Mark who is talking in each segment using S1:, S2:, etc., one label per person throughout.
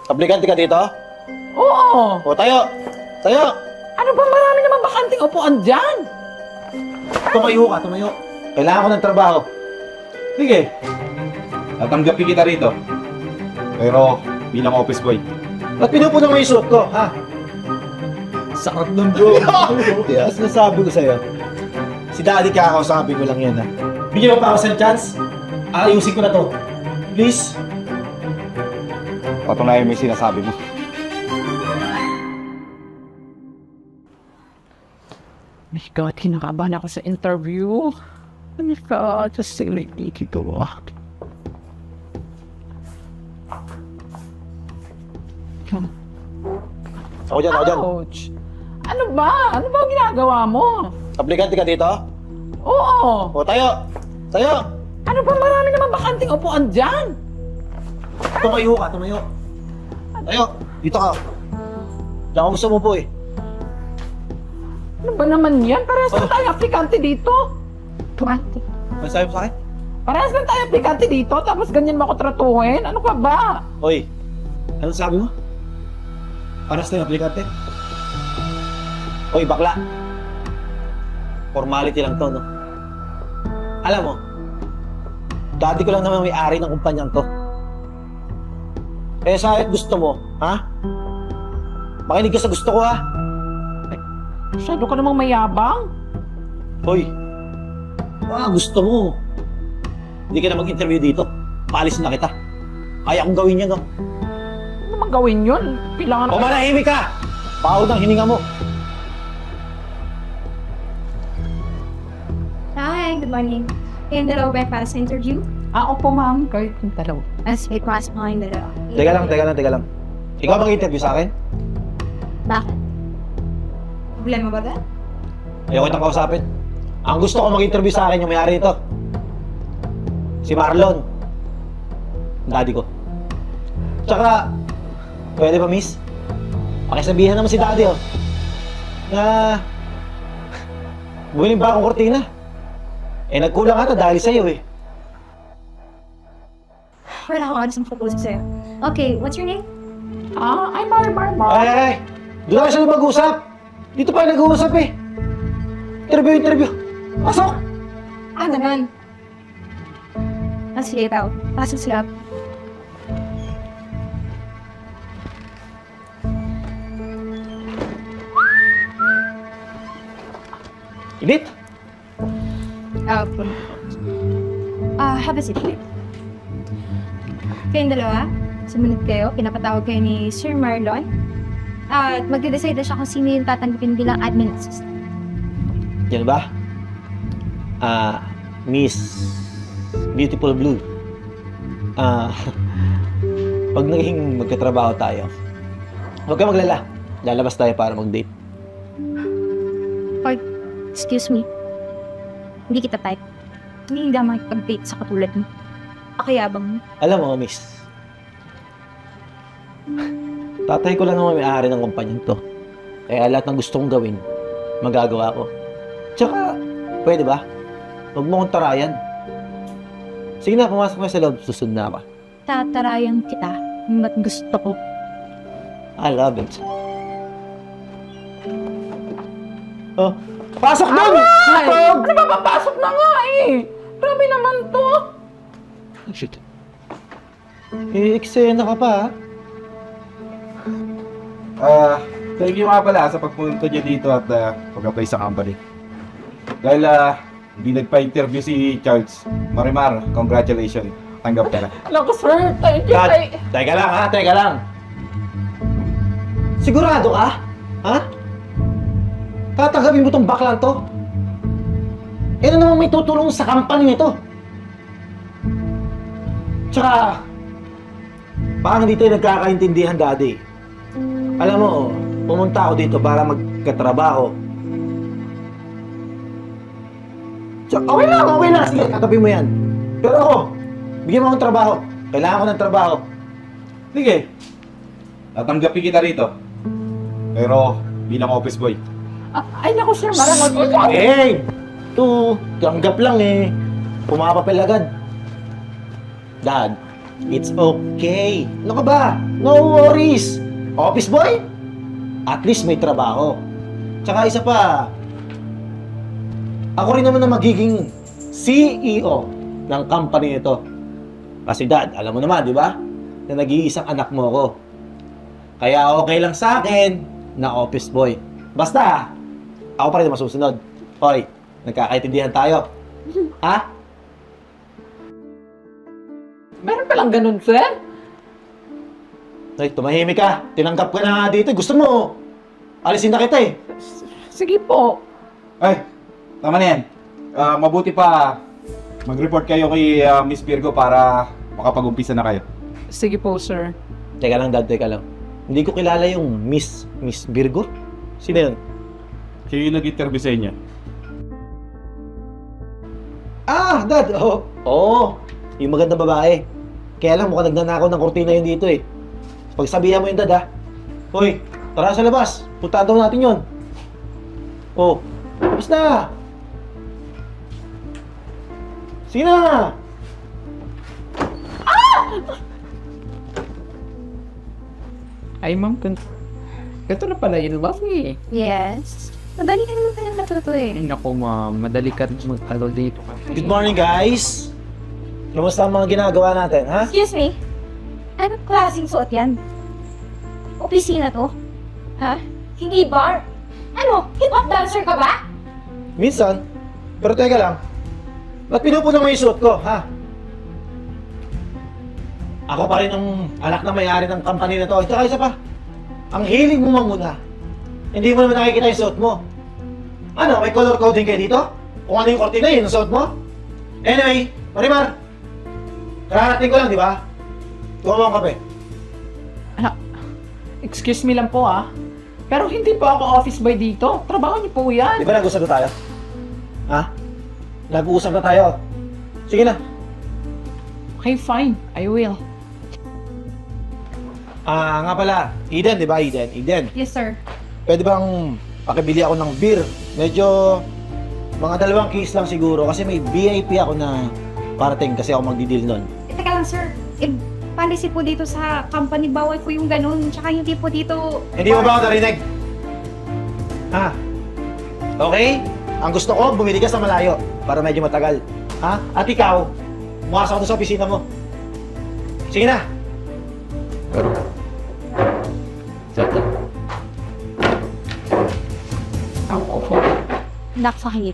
S1: Aplikante ka dito?
S2: Oo.
S1: O, tayo! Tayo!
S2: Ano ba, marami naman bakanting upuan dyan?
S1: Tumayo ka, tumayo. Kailangan ko ng trabaho.
S3: Sige. Tatanggapin kita rito. Pero bilang office boy.
S1: Ba't pinupunan mo yung suot ko, ha?
S3: Sakit nun, bro.
S1: Kaya sinasabi ko sa'yo. Si Daddy kakausapin ko lang yan, ha? Bigyan mo pa ako sa chance. Ayusin ko na to. Please.
S3: Patunayan mo yung sinasabi mo.
S2: My God, kinakabahan ako sa interview. Oh my God, just silly dito.
S1: Ako dyan, ako dyan.
S2: Ouch! Ano ba? Ano ba ang ginagawa mo?
S1: Aplikante ka dito?
S2: Oo.
S1: O, tayo! Tayo!
S2: Ano ba, marami naman bakanting upuan dyan?
S1: Tumayo ka, tumayo. Tayo! Dito ka. Diyan ako gusto mo po, eh.
S2: Ano ba naman yan? Parehas lang tayo aplikante dito. Aplikante.
S1: Ano sabi mo sa akin?
S2: Parehas lang tayo aplikante dito, tapos ganyan mo ako tratuhin? Ano ka ba?
S1: Oy, ano sabi mo? Paras na yung aplikante? Oy, bakla. Formality lang to, no? Alam mo, dati ko lang naman may-ari ng kumpanyang to. Eh, sa gusto mo, ha? Makinig ka sa gusto ko, ha?
S2: Masyado ka namang mayabang.
S1: Hoy, gusto mo. Hindi ka na mag-interview dito. Paalis na kita. Kaya kong gawin yan, no?
S2: Ano naman gawin yun? Kailangan
S1: O manahimik ka! Pahod ang hininga mo.
S4: Hi, good morning. Kayong dalawa ba para sa interview?
S2: Opo ma'am, kahit yung dalaw.
S4: As may pasok mo kayong dalawa.
S1: Teka lang. Ikaw mag-interview sa akin?
S4: Bakit? Problema ba ba?
S1: Ayoko kitang kausapin. Ang gusto ko mag-interview sa akin yung may-ari nito. Si Marlon. Ang daddy ko. Tsaka, pwede ba miss? Pakisabihan naman si daddy, oh. Na, bumiling ba akong kortina? Eh, nagkulang ata dahil sa'yo, eh.
S4: Wala akong oras ng propose sa'yo. Okay, what's your name?
S2: I'm Mar.
S1: Ay! Doon na siya mag-usap! Dito pa nag-uusap, eh. Interview. Pasok!
S4: Ganun. Sige, tao. Pasok sila.
S1: Init!
S4: Have a seat. Kayong dalawa, sumunod kayo, pinapatawag kayo ni Sir Marlon. At magde-decide na siya kung sino yung tatanggapin bilang admin assistant.
S1: Yan ba? Miss Beautiful Blue. Pag naging magkatrabaho tayo, huwag ka maglala. Lalabas tayo para mag-date.
S4: Or, excuse me. Hindi kita type. Hindi ako makipag-date sa katulad mo. Pakiyabang mo.
S1: Alam mo, miss, tatay ko lang naman may-ari ng kumpanyang to. Kaya lahat ng gusto kong gawin, magagawa ko. Tsaka, pwede ba? Huwag mo akong tarayan. Sige na, pumasok ka sa loob. Susunod na ako.
S4: Tatarayan kita. Hanggat gusto ko.
S1: I love it. Oh, pasok doon!
S2: Ay! Ano ba, papasok na nga eh! Grabe naman to!
S1: Oh, shit. Eksena ka pa, ha?
S3: Thank you nga pala sa pagpunta niyo dito at pag-apply sa company. Dahil hindi nagpa-interview si Charles. Marimar, congratulations. Tanggap ka na.
S2: Naku sir, thank you.
S1: Teka lang, ha? Teka lang. Sigurado ka? Ha? Tatanggapin mo tong baklang to? Eh, ano naman may tutulong sa company nito? Tsaka, parang hindi tayo nagkakaintindihan, Daddy. Alam mo, pumunta ako dito para magkatrabaho. Tsaka, okay lang. Sige, tatapin mo yan. Pero ako, bigyan mo akong trabaho. Kailangan ko ng trabaho.
S3: Sige. Tatanggapin kita rito. Pero bilang office boy.
S2: Ay naku sir, marang
S1: Hey! Ito, tanggap lang eh. Pumapapel agad. Dad, it's okay. Ano ka ba? No worries. Office boy? At least may trabaho. Tsaka isa pa, ako rin naman na magiging CEO ng company nito. Kasi dad, alam mo naman, di ba? Na nag-iisang anak mo ako. Kaya okay lang sa akin na office boy. Basta, ako pa rin na masusunod. Hoy, nagkakaintindihan tayo. Ha?
S2: Meron palang ganun, sir?
S1: Hoy, tumahimik ka. Tinanggap ka na nga dito. Gusto mo, alisin na kita eh.
S2: Sige po.
S3: Ay, tama na yan. Mabuti pa mag-report kayo kay Miss Virgo para makapag-umpisa na kayo.
S2: Sige po, sir.
S1: Teka lang, dad, teka lang. Hindi ko kilala yung Miss Virgo. Sino yun?
S3: Siya yung nag-interview sa inyo.
S1: Ah, dad! Oo. Yung magandang babae. Kaya lang, mukhang nagnanakaw ng kortina yun dito eh. Pagsabihan mo yun, dad, ha? Hoy, tara sa labas. Puntaan daw natin yun. Oh, tapos na! Sige na!
S2: Ay, ma'am, ganito na pala yun, Buffy.
S4: Yes. Madali ka naman kayang natuto eh.
S2: Ay, naku, ma'am. Madali ka rin mag-alo dito.
S1: Good morning, guys! Kamusta ang mga ginagawa natin, ha?
S4: Excuse me? Anong klaseng suot yan? Opisina to? Ha? Hindi bar? Ano? Hip-hop dancer ka ba?
S1: Minsan. Pero teka lang. Ba't pinupuno mo yung suot ko, ha? Ako pa rin ang anak na may-ari ng company na to. At saka isa pa, ang hilig mo manguna. Hindi mo naman nakikita yung suot mo. Ano, may color coding kayo dito? Kung ano yung kortina, yun ang suot mo? Anyway, Marimar, kararating ko lang, di ba? Tuwa mo ang kape.
S2: Excuse me lang po, ah. Pero hindi po ako office boy dito. Trabaho niyo po yan.
S1: Di ba nag-usap na tayo? Ha? Nag-uusap na tayo. Sige na.
S2: Okay, fine. I will.
S1: Ah, nga pala. Eden, di ba? Eden.
S4: Yes, sir.
S1: Pwede bang pakibili ako ng beer? Medyo mga 2 case lang siguro kasi may VIP ako na parating kasi ako magdi-deal nun.
S4: Teka lang, sir. Policy po dito sa company, bawal po yung ganun. Tsaka hindi po dito...
S1: Hindi mo ba ako narinig? Ha? Okay? Ang gusto ko, bumili ka sa malayo para medyo matagal. Ha? At ikaw, umakas ako sa opisina mo. Sige na!
S2: Ako po.
S4: Nakasakit.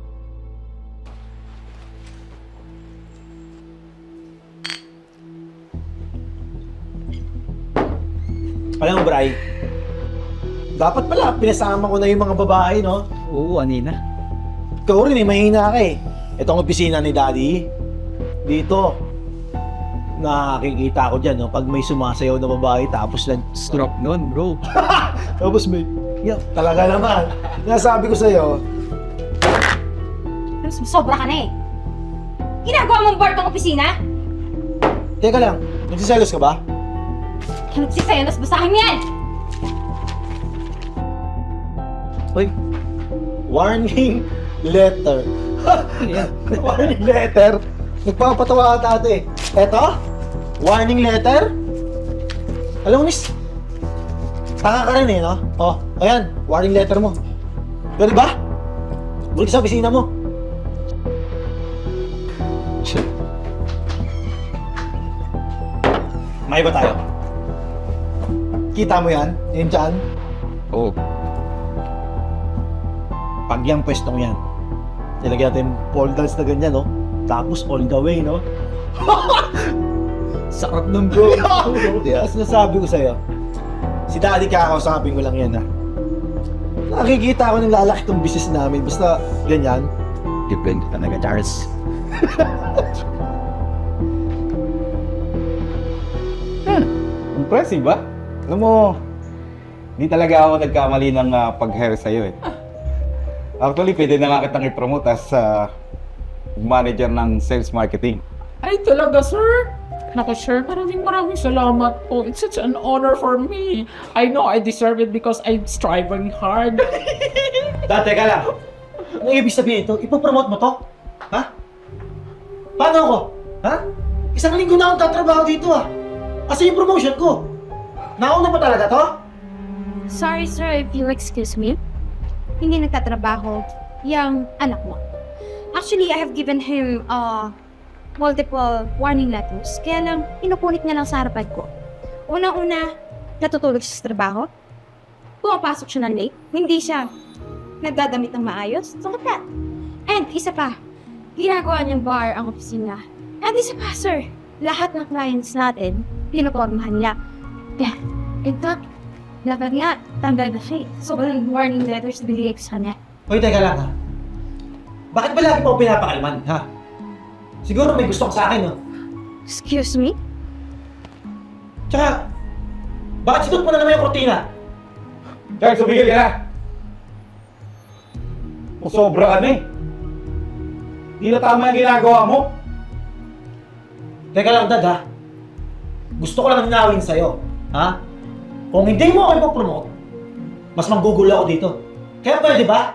S1: Alam mo, Bray, dapat pala, pinasama ko na yung mga babae, no?
S5: Oo, anina.
S1: Ikaw rin eh, mahina ka eh. Ito ang opisina ni Daddy. Dito, nakikita ko dyan, no? Pag may sumasayaw na babae, tapos lang,
S5: Strop nun, bro.
S1: tapos may, talaga naman. Nasabi ko sa'yo,
S4: Sobra ka na eh. Ginagawa mong bar tong opisina?
S1: teka lang, nagsiselos ka ba?
S4: Nagsiselos, basahin mo yan!
S1: Hoy, warning letter. Warning letter? Nagpapatawa ka ate. Eto? Warning letter? Alam mo, miss, tanga ka rin eh, no? Oh, ayan, warning letter mo. Pwede ba? Balik sa opisina mo. May ba tayo? Kita mo yan? Yan dyan?
S5: Oo.
S1: Pag yung pwestong yan, nilagyan natin pole dance na ganyan, no? Tapos all the way, no?
S5: Sarap nun, bro.
S1: Yes, nasabi ko sa'yo. Si Daddy kakausapin ko lang yan, ha? Nakikita ko ng lalaki tong business namin. Basta ganyan.
S5: Depende talaga, Charles.
S3: Impressive ba? Alam mo, di talaga ako nagkamali ng pag-hire sa'yo eh. Actually, pwede na nga kitang i-promote as manager ng sales marketing.
S2: Ay, talaga, sir? Naku, sir, maraming salamat po. It's such an honor for me. I know I deserve it because I'm striving hard.
S1: Dad, teka lang. Ano ibig sabihin ito? Ipopromote mo to? Ha? Paano ako? Ha? Isang linggo na akong tatrabaho dito, ah. Kasi yung promotion ko. Nauna pa talaga to?
S4: Sorry, sir, if you excuse me. Hindi nagtatrabaho yung anak mo. Actually, I have given him multiple warning letters. Kaya lang, inupunit niya lang sa harapan ko. Unang-una, natutulog siya sa trabaho. Pumapasok siya ng late. Hindi siya nagdadamit ng maayos. So, that. And isa pa, ginagawa niyang bar ang opisina. And isa pa, sir, lahat ng clients natin, pinupormahan niya. Yeah, in fact, dapat nga, tanggal na siya. Sobrang warning letters binigay ko sa kanya.
S1: Hoy, teka lang ha. Bakit ba lagi mo ako pinapakalman, ha? Siguro may gusto ka sa akin, no?
S4: Excuse me?
S1: Tsaka, bakit sinut mo na naman yung kortina?
S3: Charles, sumigil ka na! Sobra ka na eh. Di na tama yung ginagawa mo.
S1: Teka lang, Dad, ha? Gusto ko lang ninawin sa'yo, ha? Kung hindi mo ako ipopromote, mas manggugulo ako dito. Kaya pwede ba?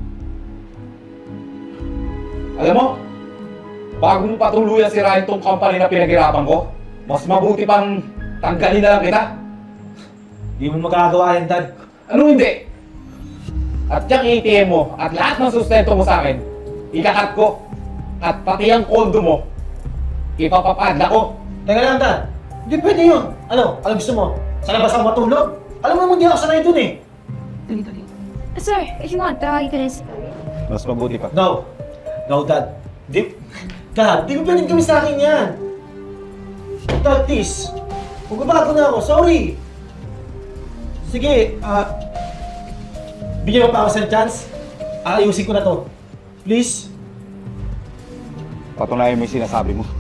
S3: Alam mo, bago mo patuluyan sirain tong company na pinaghirapan ko, mas mabuti pang tanggalin na lang kita.
S1: Hindi mo magagawa yan, Dad.
S3: Ano hindi? At yung ATM mo at lahat ng sustento mo sa akin, ikakat ko. At pati ang kondo mo, ipapapadla ko.
S1: Teka lang, Dad. Hindi pwede yun. Ano gusto mo? Sa labas ako matulog? Alam mo naman, hindi ako sanay dun eh.
S4: Sir, if you want, you can ask.
S3: Mas mabuti pa.
S1: No. No, Dad. Dad, di mo pwedeng gawin sa akin yan. Dad, please. Magbabago na ako. Sorry. Sige, bigyan mo pa ako sa chance. Ayusin ko na to. Please.
S3: Patunayan mo yung sinasabi mo.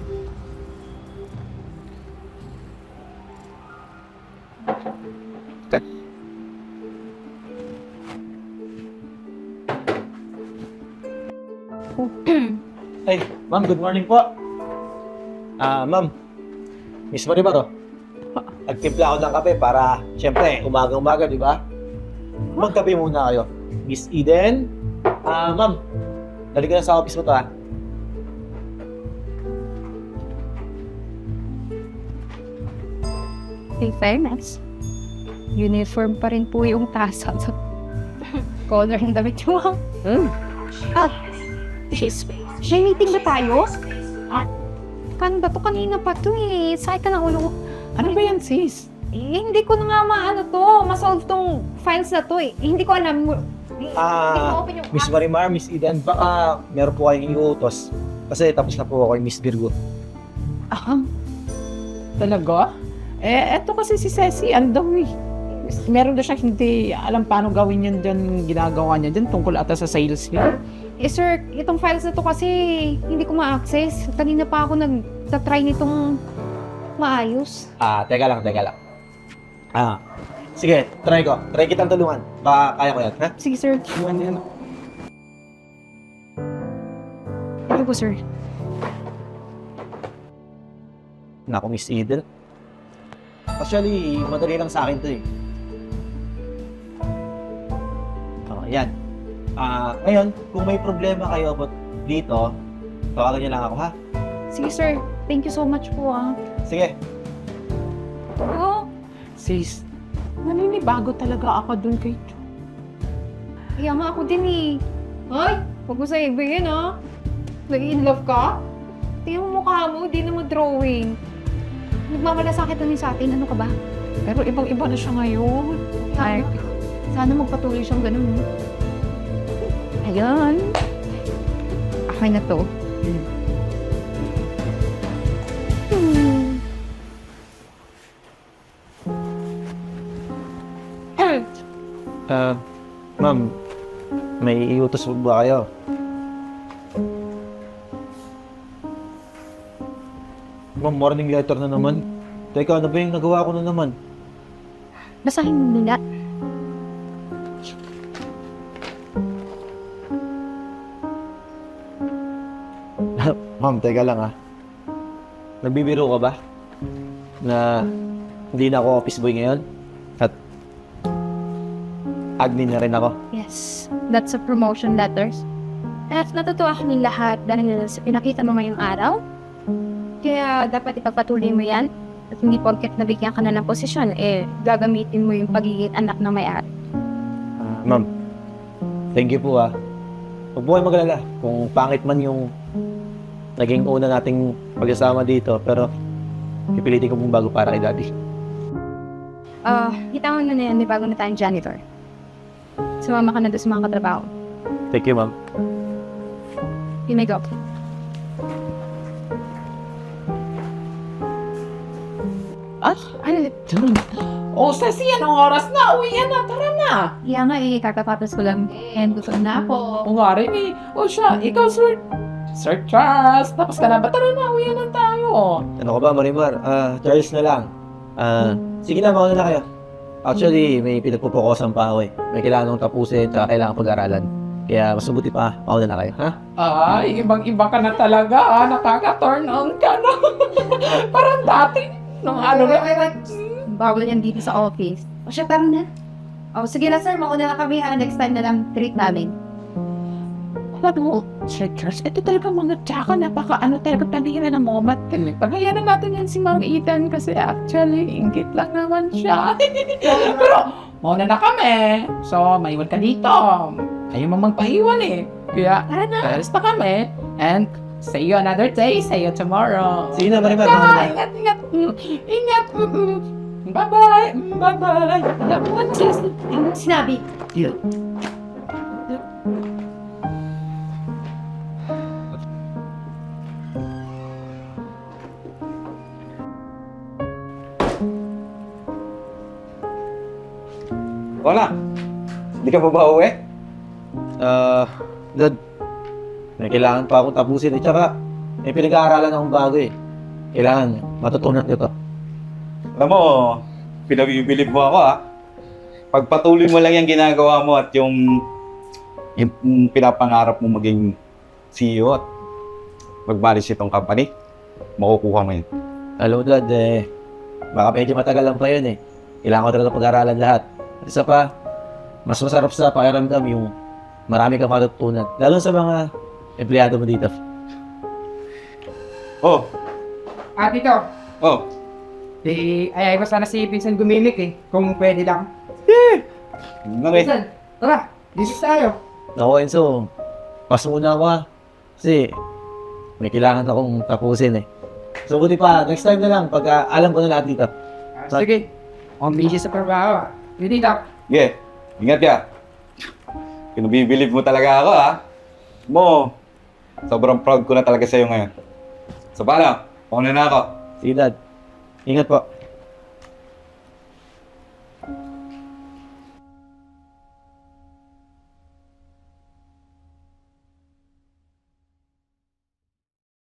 S1: Ay, ma'am, good morning po. Ma'am, miss mo rin ba to? Nagtimpla ako ng kape para, syempre, umaga-umaga, di ba? Magkape muna kayo. Miss Eden, ma'am, dali ka na sa office mo to, ha?
S4: In fairness, uniform pa rin po yung tasa sa color ng damit mo. May meeting ba tayo? Paano ba to? Kanina pa to eh. Sakit ka ng ulo.
S2: Ano ba yan, sis?
S4: Hindi ko na nga maano to. Masolve tong files na to eh. Hindi ko alam. Hindi ko open yung
S1: Miss Marimar, Miss Eden, baka meron po kayong iuutos. Kasi tapos na po ako kay Miss Virgo.
S2: Talaga? Eto kasi si Ceci, ano daw eh. Meron daw siya hindi alam paano gawin yan dyan, ginagawa niya dyan tungkol ata sa sales niya.
S4: sir, itong files na to kasi hindi ko ma-access. Kanina pa ako nag-try nitong maayos.
S1: Teka lang. Sige, try ko. Try kitang tulungan. Baka kaya ko yan, ha?
S4: Sige, sir. Ano po, sir?
S1: Naku, Miss Eden. Actually, madali lang sa akin to eh. Yan. Ngayon, kung may problema kayo about dito, tawagan niyo lang ako, ha?
S4: Sige, sir. Thank you so much po,
S1: Sige.
S4: Oo.
S2: Sis, naninibago talaga ako dun kay Jo.
S4: Kaya nga ako din eh. Ay, huwag mo sa ibigin Nag-in love ka? Tingnan mo mukha mo, di na mo drawing. Nagmamalasakit na sa atin, ano ka ba?
S2: Pero ibang-iba na siya ngayon.
S4: Ay, sana magpatuloy siyang ganun. Ayun. Okay na to.
S1: Ma'am, may iutos ba kayo? Ma'am, morning letter na naman. Teka, ano ba yung nagawa ko na naman?
S4: Basahin mo nila.
S1: Ma'am, teka lang Nagbibiro ka ba? Na hindi na ako office boy ngayon? At admin na rin ako?
S4: Yes, that's a promotion letters. At natutuwa kami lahat dahil pinakita mo ngayong araw. Kaya dapat ipagpatuloy mo yan. At hindi porket nabigyan ka na ng posisyon, gagamitin mo yung pagiging anak ng may-ari.
S1: Ma'am, thank you po ah. Huwag po kayong mag-alala kung pangit man yung naging una nating pag-asama dito, pero pipilitin ko pong bago para kay Daddy.
S4: Itawan mo na yan, may bago na tayong janitor. Sumama ka na doon sa mga katrabaho.
S1: Thank you, ma'am.
S4: You may go.
S2: Ano? Oh, Ceci, anong oras na? Uwi na, tara na.
S4: Kaya nga kakapapos ko lang. And gusto na ako.
S2: O nga rin eh. O siya, ikaw, Sir. Sir Charles, tapos ka na ba? Tara na, uwi na tayo.
S1: Ano ka ba, Marimar? Charles na lang. Sige na, mauna na kayo. Actually, may pinagpupukosan pa ako eh. May kailangan kong tapusin at kailangan pag-aralan. Kaya mas mabuti pa, mauna na kayo, ha?
S2: Ay, ibang-iba ka na talaga. Nakaka-turn on ka na. Parang dati. Nung ano na.
S4: Bawal yan dito sa office. O siya, tara na. O sige na sir, mauna na kami ha. Next time na lang treat namin.
S2: Alam mo, Sir Charles, ito talaga mga tsaka napaka talaga panira ng moment. Paghayanan natin yan si Mang Ethan kasi actually, ingit lang naman siya. Pero, mauna na kami. So, maiwan ka dito. Ayaw mo magpahiwan eh. Kaya, alis na kami. And, see you another day. See you tomorrow.
S1: Sige na, Marimar, mauna na.
S2: Ingat, ingat. Ingat. Bye-bye. Bye-bye.
S4: Sinabi.
S3: Wala. Hindi ka pa ba uwi?
S1: Dad, may kailangan pa akong tapusin eh. Tsaka, may pinag-aaralan akong bago eh. Kailangan matutunan ko to.
S3: Alam mo, pinabibilib mo ako Pagpatuloy mo lang yung ginagawa mo at yung pinapangarap mo maging CEO at mag-manage itong company, makukuha mo yun.
S1: Alam mo, Dad, baka medyo matagal lang pa yun eh. Kailangan ko talaga pag-aralan lahat. At isa pa, mas masarap sa pakiramdam yung marami kang matutunan. Lalo sa mga empleyado mo dito.
S3: Oh,
S2: Tito,
S3: oh.
S2: ayay ko sana si Vincent Gumilik eh. Kung pwede lang.
S3: Vincent,
S2: Tara, this tayo.
S1: Ako, Enzo, pas muna ako kasi may kailangan akong tapusin eh. So, buti pa, next time na lang pag alam ko na lahat dito.
S2: Sige, on busy sa trabaho. Dito.
S3: yeah, ingat ka. Pinabibilib mo talaga ako Mo, sobrang proud ko na talaga sa'yo ngayon. So, paano? Pauna na ako.
S1: Sige, Dad. Ingat po.